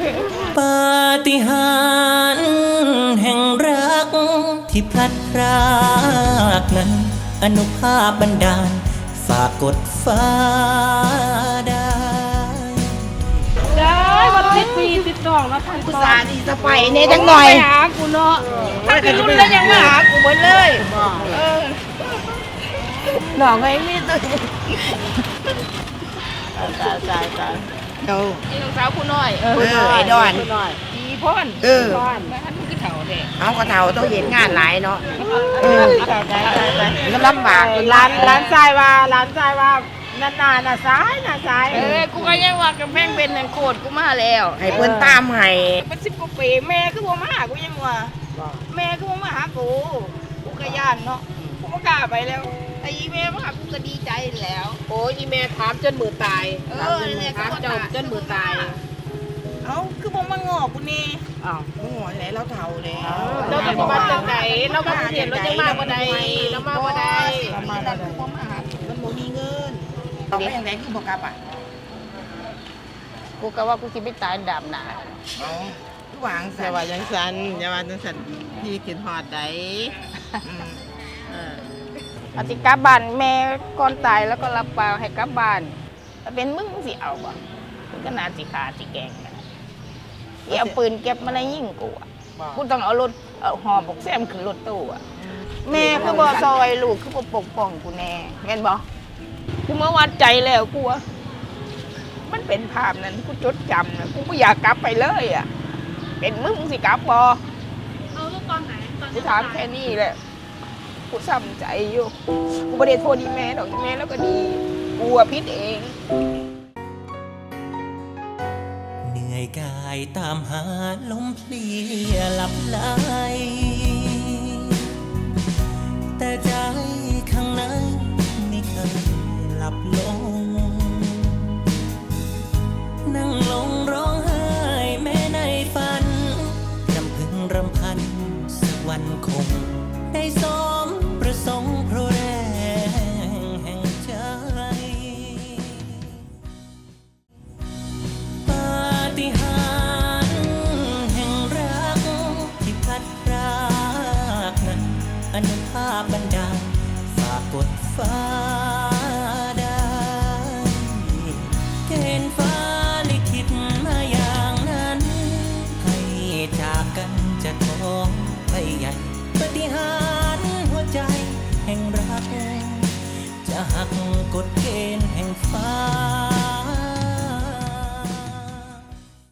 ปาฏิหาริย์แห่งรักที่พลัดพรากนั้นอนุภาพบันดาลฝากกดฟ้าได้วัน10 ปี12แล้วท่านกูสาดีสไปเนี่ยจังหน่อยหากูเนาะถ้าจะรุ่นแล้วยังมาหากูหมดเลยหนองไอ้มีตัวตายเดี๋ยวไอ้น้องสาวกูน้อยไอ้ดอนอีพ่นพ่นแล้วท่านมึงก็เถ่าเด็กเอากระเทาต้องเห็นงานหลายเนาะก็ลำบากร้านทรายว่านานๆน่ะซ้ายกูก็ยังว่ากำแพงเป็นโคตรกูมาแล้วให้เพิ่นตามให้เป็น10 กว่าปีแม่คือบ่มาหากูยังว่าแม่คือบ่มาหากูก็ย่านเนาะกูบ่กล้าไปแล้วไอ้แม่มาหากูก็ดีใจแล้วโอ้ยอีแม่ถามจนมือตายเนี่ยถามเจ้าจนมือตายเอ้าคือบ่มางอกูนี่อ้าวมึงหัวไหนเราเฒ่าเลยเจ้าจะมาจากไหนเรามาเห็นเราจะมาบ่ได้เรามาบ่ได้มันบ่มีเงินต้องไปยังไงคือบ่กลับอ่ะกูก็ว่ากูคิดไม่ตายดำหนาเอาทุกวางอย่าว่าจังสันพี่กินหอดได้อธิกลับบ้านแม่ก่อนตายแล้วก็รับปากให้กลับบ้านถ้าเป็นมึงสิเอาบ่มึงก็น่าสิขาสิแกงกันเอาปืนเก็บมาในยิ่งกูอ่ะกูต้องเอารถเอาหอบอกแซมขึ้นรถตู้อ่ะแม่คือบ่ซอยลูกคือบ่ปกป้องกูแน่แม่นบ่กูเมื่อวัดใจแล้วกูว่ามันเป็นภาพนั้นกูจดจำนะกูไม่อยากกลับไปเลยอ่ะเป็นมึงสิกลับบ่เอาลูกตอนไหนกูถามแค่นี้แหละกูซ้ำใจอยู่กูไม่ได้โทษอีแม่ดอกอีแม่แล้วก็ดีกูอะผิดเองเหนื่อยกายตามหาลมเพลียหลับไหลแต่ใจข้างในไม่เคยหลับลงนั่งลงร้องไห้แม้ในฝันรำพึงรำพันสักวันคงได้สมประสงค์เพราะแรงแห่งใจปาฏิหาริย์แห่งรักที่พลัดพรากนั้นอนุภาพบันดาลฝากกดฟ้าได้เกณฑ์ฟ้าลิขิตมาอย่างนั้นให้จากกันจะท้องไปใหญ่ปาฏิหาริย์หัวใจแห่งรักจะหักกฎเกณฑ์แห่งฟ้า